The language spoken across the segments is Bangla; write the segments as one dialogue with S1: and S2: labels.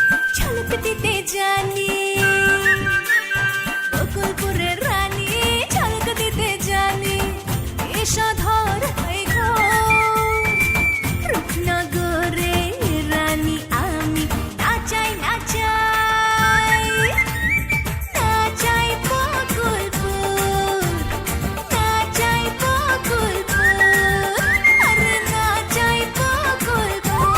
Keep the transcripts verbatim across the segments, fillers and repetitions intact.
S1: ঝলক দিতে জানি বকুলপুরের রানী, ঝলক দিতে জানি এসো ধর হয়ে ঘোর রূপনগরে রানী আমি, নাচাই নাচাই নাচাই বকুলপুর, নাচাই বকুলপুর, আরে নাচাই বকুলপুর।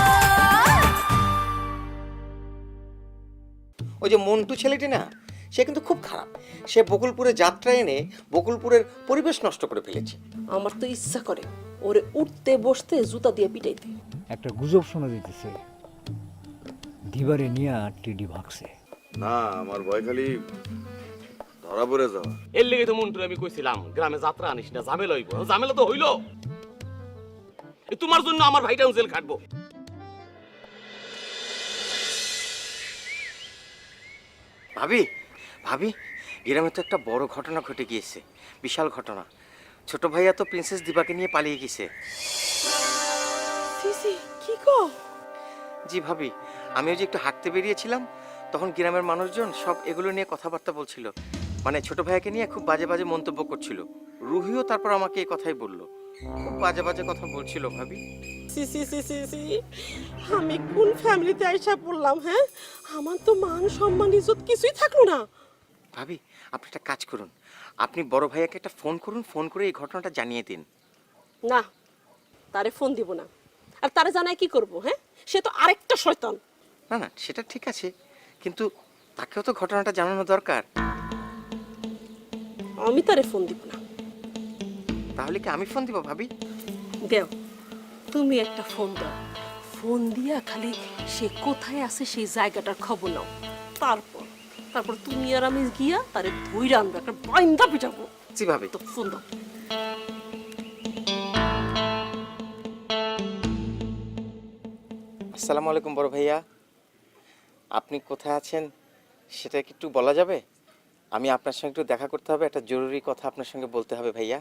S2: ওই যে মন্টু ছেলেটি না, সে কিন্তু খুব খারাপ। সে বকুলপুরে যাত্রা এনে বকুলপুরের পরিবেশ নষ্ট করে ফেলেছে।
S3: আমার তো ইচ্ছা করে ওরে উঠতে বসতে জুতা দিয়ে পিটাইতে।
S4: একটা গুজব শোনা দিতেছে, দিবারে নিয়ে টিডি ভাগছে।
S5: না, আমার ভয় খালি ধরা পড়ে যাওয়া।
S6: এর লেগে তো মন্টুর আমি কইছিলাম গ্রামে যাত্রা আনিস না, ঝামেলা হইব। ঝামেলা তো হইল, তোমার জন্য আমার ভাইটাও জেল খাটবো।
S2: ভাবি ভাবি গ্রামে তো একটা বড় ঘটনা ঘটে গিয়েছে, বিশাল ঘটনা। ছোট ভাইয়া তো প্রিন্সেস দিবাকে নিয়ে পালিয়ে গেছে।
S3: সিসি কি কো?
S2: জি ভাবি, আমিও যে একটু হাঁটতে বেরিয়েছিলাম, তখন গ্রামের মানুষজন সব এগুলো নিয়ে কথাবার্তা বলছিল। মানে ছোট ভাইয়াকে নিয়ে খুব বাজে বাজে মন্তব্য করছিল। রুহিও তারপর আমাকে এই কথাই বললো, খুব বাজে বাজে কথা বলছিল ভাবি।
S3: সিসি সিসি সি আমি কোন ফ্যামিলিতে আইসা পড়লাম? হ্যাঁ, আমার তো মান সম্মান ইজ্জত কিছুই থাকলো না।
S2: ভাবি আপনি একটা কাজ করুন, আপনি বড় ভাইয়াকে একটা ফোন করুন, ফোন করে এই ঘটনাটা জানিয়ে দিন।
S3: না, তারে ফোন দিব না। আর তারে জানাই কি করব? হ্যাঁ, সে তো আরেকটা শয়তান।
S2: না না, সেটা ঠিক আছে, কিন্তু তাকেও তো ঘটনাটা জানানো দরকার।
S3: আমি তারে ফোন দিব না।
S2: তাহলে কি আমি ফোন দিব ভাবি?
S3: দেও, তুমি একটা ফোন দাও। ফোন দিয়া খালি সে কোথায় আছে সেই জায়গাটার খবর নাও। তারপর তারপর তুমি আর আমি গিয়া তারে ধইরা আনবো, একটা বাইন্দা পিটাবো।
S2: জি ভাবি।
S3: তো ফোন দাও।
S2: আসসালামু আলাইকুম বড় ভাইয়া, আপনি কোথায় আছেন সেটা কি একটু বলা যাবে? আমি আপনার সঙ্গে একটু দেখা করতে হবে, একটা জরুরি কথা আপনার সঙ্গে বলতে হবে ভাইয়া।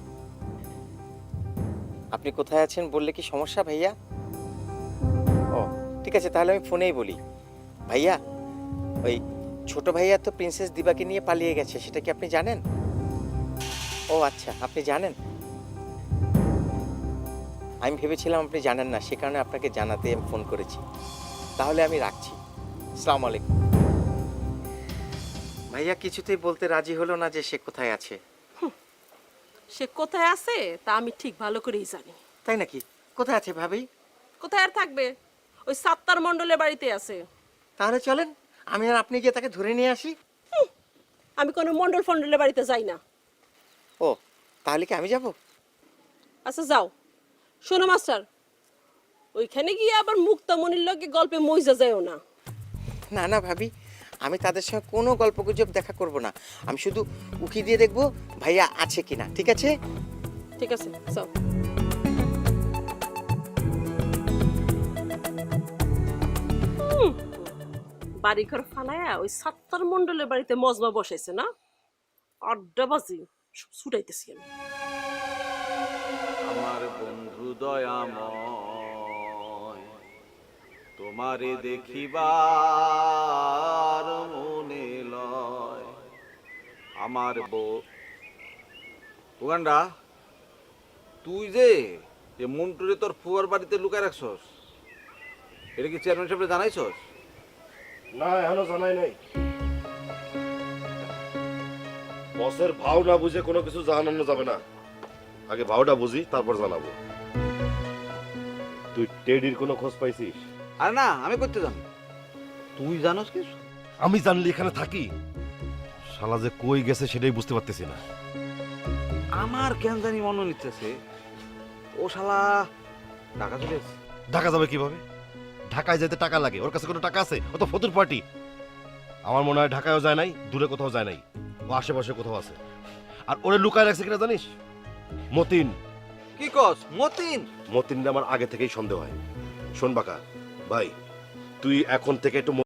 S2: আপনি কোথায় আছেন বললে কি সমস্যা ভাইয়া? ও ঠিক আছে, তাহলে আমি ফোনেই বলি। ভাইয়া, ওই ছোট ভাইয়া তো প্রিন্সেস দিবাকে নিয়ে পালিয়ে গেছে, সেটা কি আপনি জানেন? ও আচ্ছা, আপনি জানেন। আমি ভেবেছিলাম আপনি জানেন না, সে কারণে আপনাকে জানাতে আমি ফোন করেছি। তাহলে আমি রাখছি, আসসালামু আলাইকুম। ভাইয়া কিছুতেই বলতে রাজি হলো না যে সে কোথায় আছে।
S3: সে কোথায় আছে তা আমি ঠিক ভালো করেই জানি।
S2: তাই নাকি? কোথায় আছে ভাবি?
S3: কোথায় আর থাকবে? ওই সাত্তার মণ্ডলের বাড়িতে আছে।
S2: তাহলে চলেন আমি আর আপনি গিয়ে তাকে ধরে নিয়ে আসি।
S3: হুঁ, আমি কোনো মণ্ডল ফণ্ডলের বাড়িতে যাই না।
S2: ও তাহলে কি আমি যাব?
S3: আচ্ছা যাও। শোনো মাস্টার, ওইখানে গিয়ে আবার মুক্তামণির লগে গল্পে মইজা যায়ও না।
S2: না না ভাবি, আমি তাদের সঙ্গে কোনো গল্পগুজব দেখা করব না। আমি শুধু উকি দিয়ে দেখবো ভাইয়া আছে কিনা। ঠিক আছে?
S3: ঠিক আছে, যাও। হুম, বাড়িঘর ফালায়া ওই সাত্তার মণ্ডলের বাড়িতে মজমা বসাইছে না? আড্ডাবাজি সব ছুটাইতেছি আমি।
S5: আমার বন্ধু দয়াময়, তোমারে দেখিবার মনে লয়। আমার বউ উগান্ডা, তুই যে যে মন্টুরে তোর ফুয়ার বাড়িতে লুকায় রাখছস, এটা কি চেয়ারম্যান সাহেবরে জানাইছস?
S7: না, এখনো জানাই নাই। বসের ভাও না বুঝে কোনো কিছু জানানো যাবে না। আগে ভাওটা বুঝি, তারপর জানাবো। তুই টেডির কোনো খোঁজ পাইছিস?
S5: আরে না, আমি করতে জানি। তুই জানোস কিছু?
S7: আমি জানলি এখানে থাকি? শালা যে কই গেছে সেটাই বুঝতে পারতেছি না।
S5: আমার কেন জানি মনে নিতেছে ও শালা ঢাকা চলে এসেছে।
S7: ঢাকা যাবে কিভাবে? ঢাকায় যেতে টাকা লাগে, ওর কাছে কোনো টাকা আছে? ও তো ফতুর পার্টি। আমার মনে হয় ঢাকায়ও যায় নাই, দূরে কোথাও যায় নাই, ও আশেপাশে কোথাও আছে। আর ওরে লুকায় রাখছে কিনা জানিস? মতিন।
S5: কি কস? মতিন?
S7: মতিন আমার আগে থেকেই সন্দেহ হয়। শোন বাকা ভাই, তুই এখন থেকে একটু